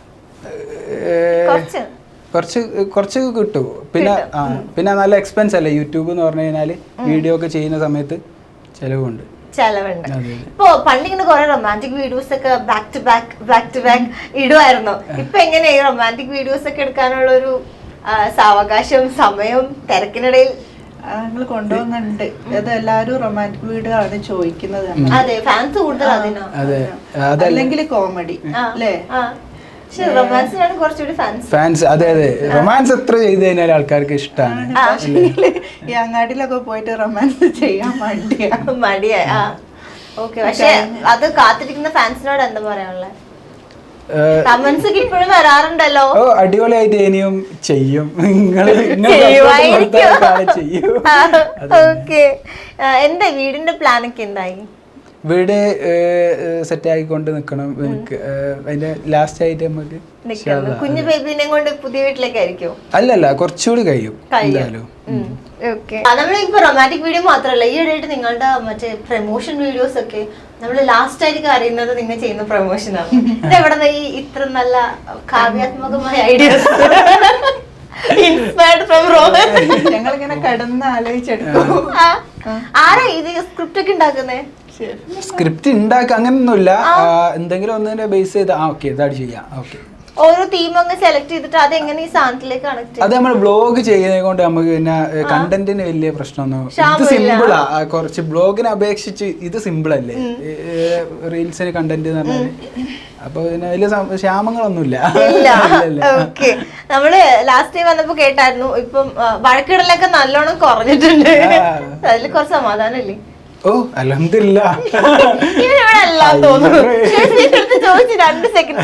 Speaker 3: കുറച്ച് കിട്ടും. പിന്നെ നല്ല എക്സ്പെൻസ് അല്ലേ യൂട്യൂബ് എന്ന് പറഞ്ഞു കഴിഞ്ഞാല്. വീഡിയോ ഒക്കെ ചെയ്യുന്ന സമയത്ത് ചെലവുണ്ട്.
Speaker 1: ഇപ്പൊ പണ്ടിങ്ങനെ കുറെ റൊമാൻറ്റിക് വീഡിയോസ് ഒക്കെ ബാക്ക് ടു ബാക്ക് ഇടുമായിരുന്നു. ഇപ്പൊ എങ്ങനെയാ ഈ റൊമാൻറ്റിക് വീഡിയോസ് ഒക്കെ എടുക്കാനുള്ള ഒരു സാവകാശം, സമയം, തിരക്കിനിടയിൽ
Speaker 2: ഞങ്ങൾ കൊണ്ടുപോകുന്നുണ്ട്. അത് എല്ലാരും റൊമാൻറ്റിക് വീഡിയോ ആണ് ചോദിക്കുന്നത്.
Speaker 1: അതെ, ഫാൻസ് കൂടുതൽ അതിനോ.
Speaker 2: അല്ലെങ്കിൽ കോമഡി അല്ലേ?
Speaker 1: റൊമാൻസിനാണ് കുറച്ചുകൂടി
Speaker 3: ഫാൻസ്. അതെ റൊമാൻസ് എത്ര ചെയ്ത് കഴിഞ്ഞാൽ ആൾക്കാർക്ക് ഇഷ്ടമാണ്.
Speaker 2: ഈ അങ്ങാടിയിലൊക്കെ പോയിട്ട് റൊമാൻസ് ചെയ്യാൻ
Speaker 1: മടിയാ. ഓക്കെ, പക്ഷെ അത് കാത്തിരിക്കുന്ന ഫാൻസിനോട് എന്താ പറയാനുള്ളത്? കമന്റ്സ് ഒക്കെ ഇപ്പോഴും വരാറുണ്ടല്ലോ.
Speaker 3: അടിപൊളിയായിട്ട് ഇനിയും ചെയ്യും.
Speaker 1: ഓക്കെ, എന്താ വീടിന്റെ പ്ലാനൊക്കെ എന്തായി?
Speaker 3: വീട് സെറ്റ് ആയിക്കൊണ്ട് നിക്കണം. എനിക്ക് അതിന്റെ ലാസ്റ്റ് ആയിട്ട് നമുക്ക്
Speaker 1: കുഞ്ഞു ബേബിനെ കൊണ്ട് പുതിയ വീട്ടിലേക്കായിരിക്കും?
Speaker 3: അല്ലല്ല, കുറച്ചുകൂടി കഴിയും എന്തായാലും.
Speaker 1: നമ്മളിപ്പോ റൊമാൻറ്റിക് വീഡിയോ മാത്രല്ല, ഈ ഇടയായിട്ട് നിങ്ങളുടെ മറ്റേ പ്രൊമോഷൻ വീഡിയോസ് ഒക്കെ നമ്മള് ലാസ്റ്റ് ആയിരിക്കും അറിയുന്നത് നിങ്ങൾ ചെയ്യുന്ന പ്രൊമോഷനാണ്. എവിടെ ഈ ഇത്ര നല്ല കാവ്യാത്മകമായ ഐഡിയാസ്?
Speaker 2: ഞങ്ങളിങ്ങനെ കടന്ന് ആലോചിച്ചെടുക്കും.
Speaker 1: ആരാ ഇത് സ്ക്രിപ്റ്റ് ഒക്കെ ഉണ്ടാക്കുന്നേ?
Speaker 3: സ്ക്രിപ്റ്റ് ഉണ്ടാക്കുക അങ്ങനൊന്നുമില്ല. എന്തെങ്കിലും ഒന്നിനെ ബേസ് ചെയ്ത് ഓക്കെ ഇതായിട്ട് ചെയ്യാം. ഓക്കെ,
Speaker 1: ഓരോ തീം അങ്ങ് സെലക്ട് ചെയ്തിട്ട് അത് എങ്ങനെ ഈ സാധനത്തിലേക്ക് കണക്ട് ചെയ്യും?
Speaker 3: അത് നമ്മൾ ബ്ലോഗ് ചെയ്യുന്നത് കൊണ്ട് നമുക്ക് പിന്നെ കണ്ടന്റിന് വലിയ പ്രശ്നമൊന്നും. ഇത് സിമ്പിളാ, കുറച്ച് ബ്ലോഗിനെ അപേക്ഷിച്ച് ഇത് സിമ്പിൾ അല്ലേ റീൽസിന് കണ്ടന്റ് എന്ന് പറഞ്ഞാല്. അപ്പൊ പിന്നെ വലിയ ക്ഷാമങ്ങളൊന്നുമില്ല.
Speaker 1: ഓക്കെ, നമ്മള് ലാസ്റ്റ് ടൈം വന്നപ്പോ കേട്ടായിരുന്നു ഇപ്പം വഴക്കിടലൊക്കെ നല്ലോണം കുറഞ്ഞിട്ടുണ്ട്. അതിൽ കുറച്ച് സമാധാനം ഇല്ലേ?
Speaker 3: ഓ അൽഹംദുലില്ലാ.
Speaker 1: ചോദിച്ചു 2 സെക്കൻഡ്.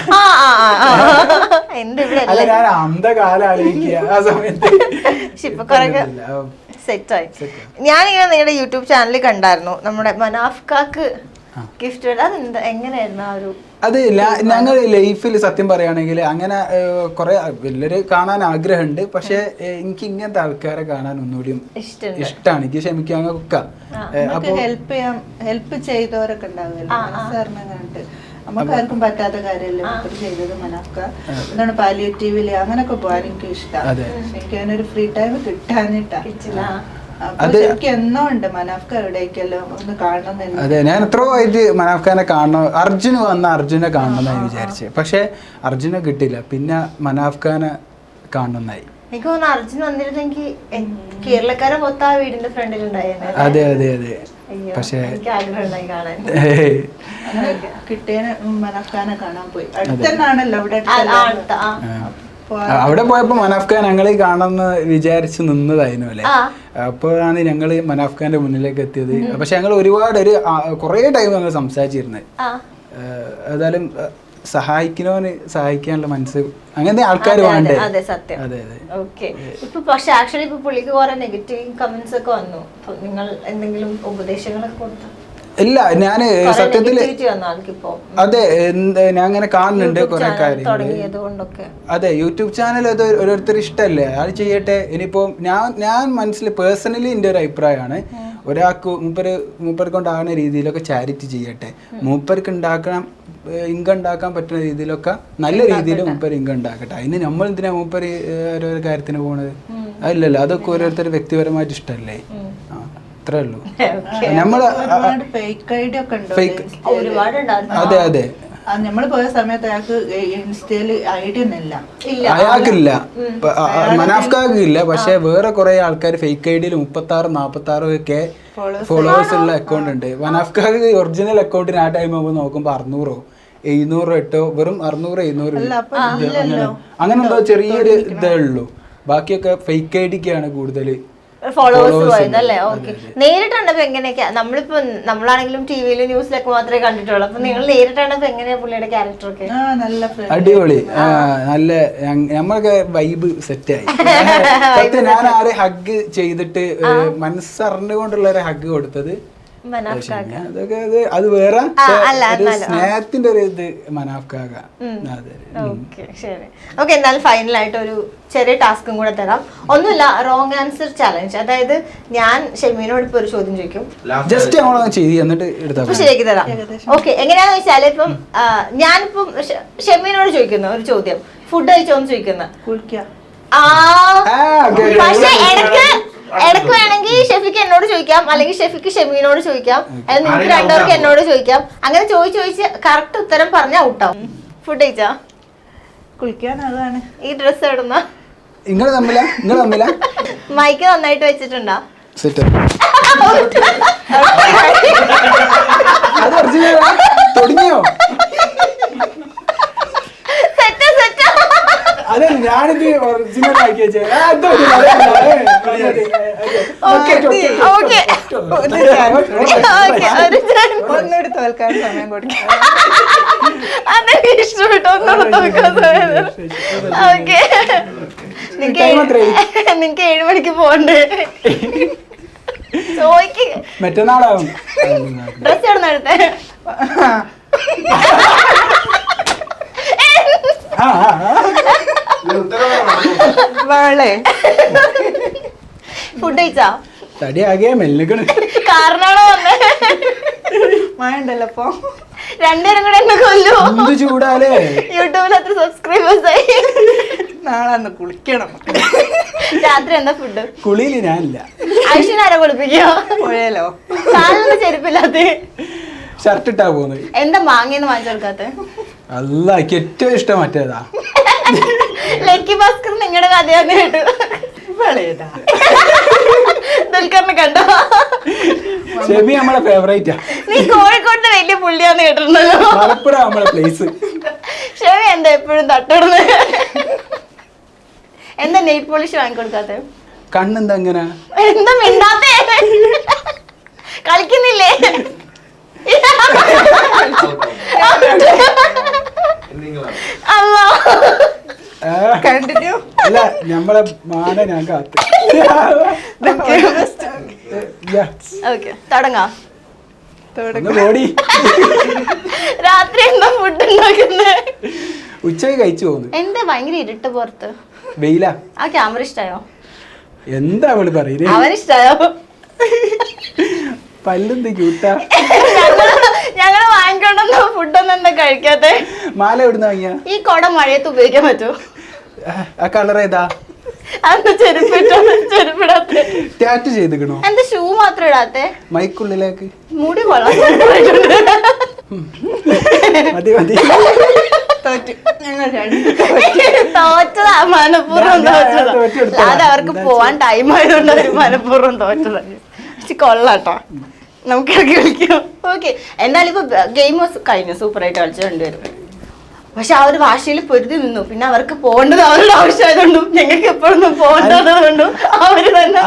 Speaker 3: ഞാൻ അന്ധകാലം ആലോചിക്കുക ആ സമയത്ത്.
Speaker 1: ഇപ്പൊ കൊറേ സെറ്റായി. ഞാനിങ്ങനെ നിങ്ങളുടെ യൂട്യൂബ് ചാനലിൽ കണ്ടായിരുന്നു നമ്മുടെ മനാഫ്കാക്ക് ഗിഫ്റ്റ്. അതെന്താ, എങ്ങനെയായിരുന്നു ആ ഒരു?
Speaker 3: അത് ഞങ്ങൾ ലൈഫിൽ സത്യം പറയുകയാണെങ്കിൽ അങ്ങനെ കുറെ വലിയൊരു കാണാൻ ആഗ്രഹമുണ്ട്. പക്ഷെ എനിക്ക് ഇങ്ങനത്തെ ആൾക്കാരെ കാണാൻ ഒന്നുകൂടിയും ഇഷ്ടമാണ്. എനിക്ക് ക്ഷമിക്കാൻ ഒക്കെ
Speaker 2: ഹെൽപ്പ് ചെയ്തവരൊക്കെ ഉണ്ടാവുമല്ലോ സാറിനെ കണ്ടിട്ട്. നമുക്കാർക്കും പറ്റാത്ത കാര്യമല്ലേ ചെയ്തത് മനാഫ്ക. എന്താണ് പാലിയേറ്റീവില് അങ്ങനൊക്കെ പോകാൻ എനിക്ക് ഇഷ്ടമാണ്. എനിക്ക് അതിനൊരു ഫ്രീ ടൈം കിട്ടാനിട്ടാ.
Speaker 3: അതെ, ഞാൻ എത്രയോ ആയിട്ട് മനാഫ്ഖാനെ കാണണം. അർജുന് വന്ന അർജുനെ കാണണമെന്നായി വിചാരിച്ചത്. പക്ഷെ അർജുനെ കിട്ടില്ല. പിന്നെ മനാഫ്ഖാനെ കാണണമെന്നായി.
Speaker 1: എനിക്ക് തോന്നുന്നു അർജുൻ വന്നിരുന്നെങ്കിൽ കേരളക്കാരെ മൊത്തം ആ വീടിന്റെ ഫ്രണ്ടിൽ ഉണ്ടായിരുന്നു.
Speaker 3: അതെ അതെ അതെ. പക്ഷേ
Speaker 1: എനിക്ക് ആഗ്രഹം ഉണ്ടായി കാണാൻ.
Speaker 2: കിട്ടിയ മനാഫ്ഖാനെ കാണാൻ പോയി. അടുത്തന്നാണല്ലോ അവിടെ.
Speaker 3: അവിടെ പോയപ്പോ മനാഫ്ഖാൻ ഞങ്ങൾ കാണാമെന്ന് വിചാരിച്ച് നിന്നതായിരുന്നു അല്ലേ. അപ്പോഴാണ് ഞങ്ങൾ മനാഫ്ഖാന്റെ മുന്നിലേക്ക് എത്തിയത്. പക്ഷെ ഞങ്ങൾ ഒരുപാട് കുറേ ടൈം ഞങ്ങൾ സംസാരിച്ചിരുന്നത്. ഏതായാലും സഹായിക്കുന്നവന് സഹായിക്കാനുള്ള മനസ്സ് അങ്ങനത്തെ ആൾക്കാർ വേണ്ടേ.
Speaker 1: അതെ സത്യം.
Speaker 3: അതെ അതെ.
Speaker 1: ഓക്കെ, ഇപ്പൊ പക്ഷെ ആക്ച്വലി ഇപ്പൊ പുള്ളിക്ക് കുറെ നെഗറ്റീവ് കമന്റ്സ് ഒക്കെ വന്നു. നിങ്ങൾ എന്തെങ്കിലും ഉപദേശങ്ങളൊക്കെ കൊടുത്തു?
Speaker 3: ഇല്ല, ഞാന് സത്യത്തില് അതെ ഞാൻ അങ്ങനെ കാണുന്നുണ്ട് കുറെ കാര്യങ്ങൾ. അതെ, യൂട്യൂബ് ചാനൽ അത് ഓരോരുത്തർ ഇഷ്ടമല്ലേ, അത് ചെയ്യട്ടെ. ഇനിയിപ്പോ ഞാൻ മനസ്സിൽ പേഴ്സണലി എൻ്റെ ഒരു അഭിപ്രായമാണ്, ഒരാൾക്ക് മൂപ്പർ കൊണ്ടാകുന്ന രീതിയിലൊക്കെ ചാരിറ്റി ചെയ്യട്ടെ. മൂപ്പർക്ക് ഇൻകം ഉണ്ടാക്കാൻ പറ്റുന്ന രീതിയിലൊക്കെ നല്ല രീതിയിൽ മൂപ്പർ ഇൻകം ഉണ്ടാക്കട്ടെ. അതിന് നമ്മൾ എന്തിനാ മൂപ്പർ ഓരോരോ കാര്യത്തിന് പോണത്? അതില്ലല്ലോ, അതൊക്കെ ഓരോരുത്തർ വ്യക്തിപരമായിട്ട് ഇഷ്ടമല്ലേ. അത്രേ ഉള്ളൂ. നമ്മള് അതെ അതെ,
Speaker 2: നമ്മള് പോയ സമയത്ത്
Speaker 3: അയാൾക്കില്ല, മനാഫ്കാക്ക് ഇല്ല. പക്ഷെ വേറെ കുറെ ആൾക്കാർ ഫേക്ക് ഐഡിയിൽ 36-46 ഒക്കെ ഫോളോവേഴ്സ് ഉള്ള അക്കൗണ്ട് ഉണ്ട്. മനാഫ്കാക്ക് ഒറിജിനൽ അക്കൗണ്ടിന് ആ ടൈം ആകുമ്പോൾ നോക്കുമ്പോ 600-700 വെറും 600-700 അങ്ങനെ എന്തോ ചെറിയൊരു ഇതേ ഉള്ളൂ. ബാക്കിയൊക്കെ ഫേക്ക് ഐഡിക്കാണ് കൂടുതൽ
Speaker 1: ഫോളോവേഴ്സ് പോയത് അല്ലേ? ഓക്കെ. നേരിട്ട് കണ്ടപ്പോ എങ്ങനെയൊക്കെയാ? നമ്മളാണെങ്കിലും ടിവിയിലും ന്യൂസിലൊക്കെ മാത്രമേ കണ്ടിട്ടുള്ളൂ. അപ്പൊ നിങ്ങൾ നേരിട്ട് കണ്ടപ്പോ എങ്ങനെയാ പുള്ളിയുടെ ക്യാരക്ടർ ഒക്കെ?
Speaker 3: അടിപൊളി, നല്ല നമ്മൾക്ക് വൈബ് സെറ്റായി. സത്യം, ഞാൻ ആരെ ഹഗ് ചെയ്തിട്ട് മനസ്സറിഞ്ഞുകൊണ്ടുള്ള ഒരു ഹഗ് കൊടുത്തത് അതൊക്കെ അത് വേറെ സ്നേഹത്തിന്റെ ഒരു ഇത് മനാഫ്കാക.
Speaker 1: ഓക്കെ, എന്നാൽ ഫൈനലായിട്ട് ഒരു ചെറിയ ടാസ്കും കൂടെ തരാം. ഒന്നുമില്ല, റോങ് ആൻസർ ചലഞ്ച്. അതായത് ഞാൻ ഷെമീനോട് ഇപ്പൊ ഒരു ചോദ്യം ചോദിക്കും,
Speaker 3: ജസ്റ്റ് എന്നിട്ട്
Speaker 1: ശരിയാക്കി തരാം. ഓക്കെ, എങ്ങനെയാന്ന് വെച്ചാല് ഇപ്പം ഞാനിപ്പം ഷെമീനോട് ചോദിക്കുന്ന ഒരു ചോദ്യം, ഫുഡ് കഴിച്ചോന്ന് ചോദിക്കുന്ന. പക്ഷെ ഇടയ്ക്ക് വേണമെങ്കിൽ ഷെഫിക്ക് എന്നോട് ചോദിക്കാം, അല്ലെങ്കിൽ ഷെഫിക്ക് ഷെമീനോട് ചോദിക്കാം, അല്ലെങ്കിൽ നിങ്ങൾക്ക് രണ്ടുപേർക്ക് എന്നോട് ചോദിക്കാം. അങ്ങനെ ചോദിച്ച് കറക്റ്റ് ഉത്തരം പറഞ്ഞാൽ ഔട്ടാവും. ഫുഡ് കഴിച്ചാ?
Speaker 2: കുളിക്കാൻ. അതാണ്.
Speaker 1: ഈ ഡ്രസ് എവിടുന്ന?
Speaker 3: നിങ്ങൾ തമ്മില
Speaker 1: മൈക്ക് നന്നായിട്ട് വെച്ചിട്ടുണ്ടോ?
Speaker 3: തുടങ്ങിയോ? അതെ, ഞാനിത് ഒറിജിനൽ ആക്കി
Speaker 2: ഒന്നുകൂടി തോൽക്കാൻ സമയം കൊടുക്കാം.
Speaker 1: അതൊക്കെ ഇഷ്ടപ്പെട്ടു. ഓക്കെ, നിങ്ങക്ക് 7 മണിക്ക് പോണ്ടേ? ചോദിക്ക്.
Speaker 3: മറ്റന്നാളാവും.
Speaker 1: ഡ്രസ് എവിടെ എടുത്തേ? ഫുഡ് കഴിച്ചാ?
Speaker 3: തടിയാകെ മെല്ലിക്കണ്.
Speaker 1: കാരണമാണോ വന്നേ?
Speaker 2: മഴണ്ടല്ലോ അപ്പൊ.
Speaker 1: രണ്ടുപേരും കൂടെ എന്നെ കൊല്ലു.
Speaker 3: എന്ത് ചൂടാലേ.
Speaker 1: യൂട്യൂബിൽ അത്ര സബ്സ്ക്രൈബേഴ്സ് ആയി.
Speaker 2: നാളെ കുളിക്കണം.
Speaker 1: രാത്രി എന്താ ഫുഡ്?
Speaker 3: കുളിയില് ഞാനില്ല.
Speaker 1: ഐശ്വര്യ കുളിപ്പിക്കോ?
Speaker 2: പോയാലോ?
Speaker 1: കാലൊന്നും ചെരുപ്പില്ലാത്ത
Speaker 3: ഷർട്ട് ഇട്ടാ പോകുന്നത്.
Speaker 1: എന്താ മാങ്ങയെന്ന് വാങ്ങിച്ചു കൊടുക്കാത്ത?
Speaker 3: അല്ല, എനിക്ക് ഏറ്റവും ഇഷ്ടം മറ്റേതാ.
Speaker 1: ലക്കി ഭാസ്കർ നിങ്ങളുടെ കഥയാന്ന് കേട്ടു. ദുൽഖറിനെ കണ്ടോ?
Speaker 3: ഷെബി നമ്മളെ ഫേവറേറ്റാ.
Speaker 1: നീ കോഴിക്കോട്ടെ വലിയ പുള്ളിയാന്ന് കേട്ടിട്ടുണ്ടല്ലോ.
Speaker 3: മലപ്പുറം നമ്മളെ പ്ലേസ്.
Speaker 1: ഷെബി എന്താ എപ്പോഴും തട്ടിടുന്നത്? എന്താ നെയിൽ പോളിഷ് വാങ്ങിക്കൊടുക്കാത്ത?
Speaker 3: കണ്ണെന്താ അങ്ങനെ?
Speaker 1: എന്താ മിണ്ടാത്തേ? കളിക്കുന്നില്ലേ?
Speaker 3: അല്ല, നമ്മളെ മാന ഞാൻ കാത്ത്.
Speaker 1: തുടങ്ങാം. രാത്രി എന്താ ഫുഡ് ഉണ്ടാക്കുന്നത്?
Speaker 3: ഉച്ചയ്ക്ക് കഴിച്ചു പോകുന്നു.
Speaker 1: എന്താ ഭയങ്കര ഇരുട്ട് പുറത്ത്?
Speaker 3: വെയിലാ.
Speaker 1: ആ ക്യാമറ ഇഷ്ടായോ?
Speaker 3: എന്താ അവള് പറയുന്നത്?
Speaker 1: അവനിഷ്ടായോ?
Speaker 3: പല്ലെന്ത് ക്യൂട്ടാ.
Speaker 1: ഞങ്ങള് വാങ്ങിക്കൊണ്ടെന്നോ ഫുഡൊന്നും എന്താ കഴിക്കാത്തെ?
Speaker 3: മാല എവിടുന്ന് വാങ്ങിയ?
Speaker 1: ഈ കൊട മഴയത്ത് ഉപയോഗിക്കാൻ പറ്റുമോ?
Speaker 3: ആ കളർ ഏതാ?
Speaker 1: ചെരുപ്പിടാത്തെ?
Speaker 3: ടാറ്റു ചെയ്തിക്കണോ?
Speaker 1: എന്താ ഷൂ മാത്രം ഇടാത്തെ?
Speaker 3: മൈക്കുള്ളിലേക്ക്
Speaker 1: മുടി കൊള്ളാം.
Speaker 3: മതി മതി.
Speaker 1: തോറ്റതാ, മനഃപൂർവ്വം തോറ്റതാ. അത് അവർക്ക് പോവാൻ ടൈം ആയതുകൊണ്ട് അവര് മനഃപൂർവ്വം തോറ്റതാ. കൊള്ളാട്ടോ, നമുക്ക് ഇറക്കി കളിക്കാം. ഓക്കെ, എന്തായാലും ഇപ്പൊ ഗെയിം കഴിഞ്ഞു, സൂപ്പറായിട്ട് കളിച്ചു രണ്ടുപേരും. പക്ഷെ ആ ഒരു വാശിയിൽ പൊരുതി നിന്നു. പിന്നെ അവർക്ക് പോകേണ്ടത് അവരുടെ ആവശ്യമായതുകൊണ്ടും ഞങ്ങൾക്ക് എപ്പോഴൊന്നും പോകേണ്ടതുകൊണ്ടും അവര് തന്നെ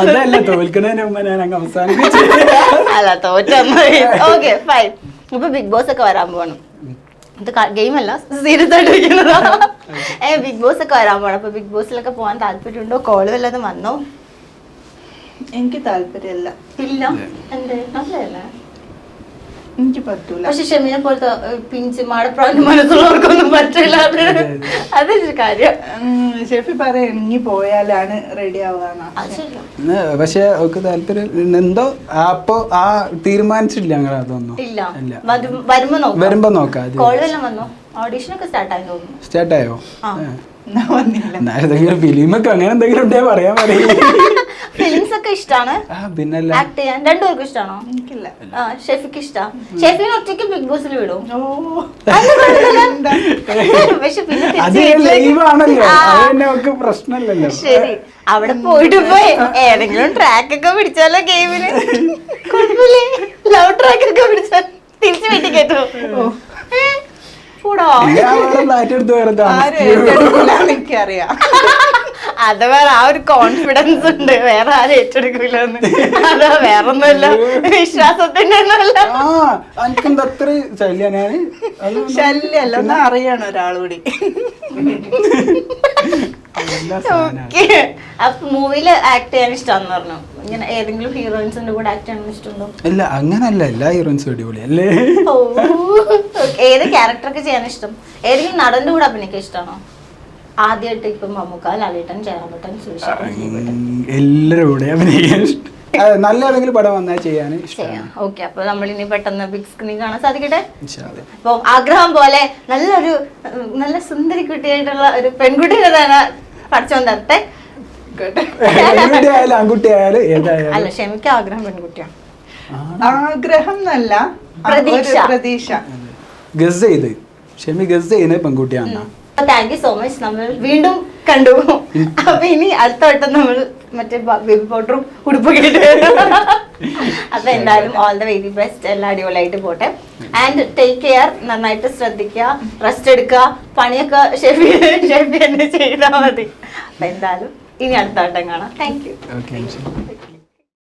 Speaker 1: അല്ല തോറ്റൊന്നും. Okay fine. ഇപ്പൊ ബിഗ് ബോസ് ഒക്കെ വരാൻ പോകണം. ഇത് ഗെയിം അല്ല, സീരിയസ് ആയിട്ട് ഇരിക്കുന്നതാ. ബിഗ് ബോസ് ഒക്കെ വരാൻ പോകണം. അപ്പൊ ബിഗ് ബോസിലൊക്കെ പോകാൻ താല്പര്യമുണ്ടോ? കോള് വല്ലതും വന്നോ?
Speaker 2: എനിക്ക് താല്പര്യമില്ല.
Speaker 1: ഇല്ല, എന്തേ? നല്ലതല്ലേ?
Speaker 2: എനിക്ക് പറ്റൂല.
Speaker 1: പക്ഷെ ഷെമീനെ പോലത്തെ പിഞ്ച് മാടപ്രാവിന്റെ മനസ്സുള്ളവർക്കൊന്നും പറ്റില്ല. അതൊരു കാര്യം.
Speaker 2: ഷെഫി പറയാം ഇനി പോയാലാണ് റെഡി ആവാന്ന്.
Speaker 3: പക്ഷെ അവർക്ക് താല്പര്യം എന്തോ അപ്പൊ ആ തീരുമാനിച്ചിട്ടില്ല ഞങ്ങൾ. അതൊന്നും
Speaker 1: ഇല്ല, വരുമ്പോ നോക്കാം. കോളെല്ലാം വന്നോ? ഓഡീഷനൊക്കെ സ്റ്റാർട്ടായി തോന്നുന്നു.
Speaker 3: സ്റ്റാർട്ടായോ? ഫിലിമൊക്കെ അങ്ങനെ എന്തെങ്കിലും ഉണ്ടേ പറയാൻ പറയും.
Speaker 1: ഫിലിംസ് ഒക്കെ ഇഷ്ടമാണ്.
Speaker 3: പിന്നല്ല,
Speaker 1: ആക്ട് ചെയ്യാൻ രണ്ടുപേർക്കും ഇഷ്ടമാണോ?
Speaker 2: എനിക്കില്ല.
Speaker 1: ഷെഫിക്ക് ഇഷ്ടാ. ഷെഫിനെ ഒറ്റയ്ക്ക് ബിഗ് ബോസിൽ വിടും. പക്ഷെ
Speaker 3: പ്രശ്നമല്ലല്ലോ.
Speaker 1: ശരി, അവിടെ പോയിട്ട് പോയി ഏതെങ്കിലും ട്രാക്ക് ഒക്കെ പിടിച്ചാലോ ഗെയിമിന്? കുഴപ്പമില്ലേ? ലവ് ട്രാക്ക് ഒക്കെ പിടിച്ചാൽ തിരിച്ചു വീട്ടിൽ കേട്ടോ?
Speaker 2: എനിക്കറിയാം.
Speaker 1: അത് വേറെ ആ ഒരു കോൺഫിഡൻസ് ഉണ്ട്, വേറെ ആരും ഏറ്റെടുക്കില്ലെന്ന്. അത് വേറൊന്നുമല്ല, വിശ്വാസത്തിന്റെ ഒന്നുമല്ല.
Speaker 3: എനിക്കെന്താ അത്ര ശല്യാണ്.
Speaker 2: ശല്യല്ല, ഒന്ന് അറിയണം ഒരാളൂടി.
Speaker 1: അപ്പൊ മൂവിയില് ആക്ട് ചെയ്യാൻ ഇഷ്ടമാന്ന് പറഞ്ഞു. ഇങ്ങനെ ഏതെങ്കിലും ഹീറോയിൻസിന്റെ കൂടെ ആക്ട് ചെയ്യാൻ ഇഷ്ടമുണ്ടോ?
Speaker 3: ഇല്ല, അങ്ങനല്ല, എല്ലാ ഹീറോയിൻസും അടിപൊളി അല്ലേ.
Speaker 1: ഏത് ക്യാരക്ടറൊക്കെ ചെയ്യാൻ ഇഷ്ടം? ഏതെങ്കിലും നടന്റെ കൂടെ അഭിനയിക്കാൻ ഇഷ്ടമാണോ? ആദ്യമായിട്ട് ഇപ്പൊ മമ്മൂക്ക, ലാലേട്ടൻ, ജയറാമേട്ടൻ,
Speaker 3: എല്ലാവരും കൂടെ അഭിനയിക്കാൻ ഇഷ്ടം. നല്ല ഏതെങ്കിലും പടം വന്നാൽ ചെയ്യാൻ ഇഷ്ടമാണ്.
Speaker 1: ഓക്കെ, അപ്പൊ നമ്മളിനി പെട്ടെന്ന് ബിഗ് സ്ക്രീൻ കാണാൻ സാധിക്കട്ടെ. അപ്പൊ ആഗ്രഹം പോലെ നല്ലൊരു നല്ല സുന്ദരി കുട്ടിയായിട്ടുള്ള ഒരു പെൺകുട്ടിയെ തന്നെ പഠിച്ചോൻ തരട്ടെ.
Speaker 3: പെൺകുട്ടിയായാലും ആൺകുട്ടിയായാലും ഏതായാലും.
Speaker 1: അല്ല, ക്ഷമിക്ക്, ആഗ്രഹം പെൺകുട്ടിയാണ്.
Speaker 2: ആഗ്രഹം എന്നല്ല, പ്രതീക്ഷ.
Speaker 3: ഗസ് ചെയ്ത് ക്ഷമി ഗസ് ചെയ്യുന്നത് പെൺകുട്ടിയാണ്.
Speaker 1: Thank you so much. നമ്മൾ വീണ്ടും കണ്ടു. അപ്പൊ ഇനി അടുത്ത വട്ടം നമ്മൾ മറ്റേ ബേബി പൗഡറും ഉടുപ്പ് കേട്ട്. അപ്പൊ എന്തായാലും ഓൾ ദ വെരി ബെസ്റ്റ്. എല്ലാം അടിപൊളിയായിട്ട് പോട്ടെ. And take care. നന്നായിട്ട് ശ്രദ്ധിക്കുക, റെസ്റ്റ് എടുക്കുക. പണിയൊക്കെ ഷെഫി തന്നെ ചെയ്താൽ മതി. അപ്പൊ എന്തായാലും ഇനി അടുത്ത വട്ടം കാണാം. Thank U.